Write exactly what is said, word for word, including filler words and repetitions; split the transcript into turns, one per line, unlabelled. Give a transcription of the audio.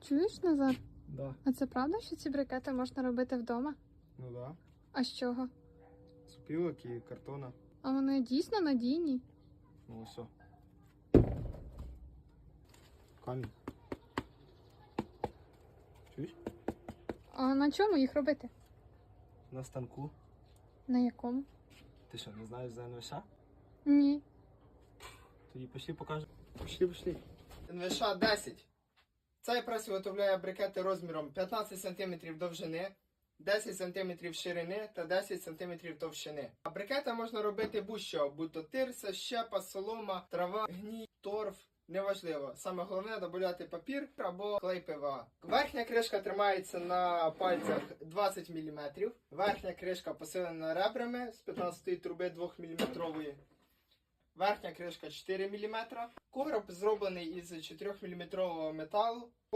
Чуєш, Назар?
Да.
А це правда, що ці брикети можна робити вдома?
Ну да.
А з чого?
З пілок і картона.
А вони дійсно надійні?
Ну все. Камінь. Чуєш?
А на чому їх робити?
На станку.
На якому?
Ти що, не знаєш за ен ве еш?
Ні.
Тоді пішли покажемо. Пішли, пішли. ен ве еш десять. Цей прес виготовляє брикети розміром п'ятнадцять сантиметрів довжини, десять сантиметрів ширини та десять сантиметрів товщини. А брикети можна робити будь-що, будь-то тирса, щепа, солома, трава, гній, торф. Неважливо. Саме головне додати папір або клей пе ве а. Верхня кришка тримається на пальцях двадцять міліметрів. Верхня кришка посилена ребрами з п'ятнадцятої труби двохміліметрової. Верхня кришка чотири міліметри. Короб зроблений із чотирьохміліметрового металу.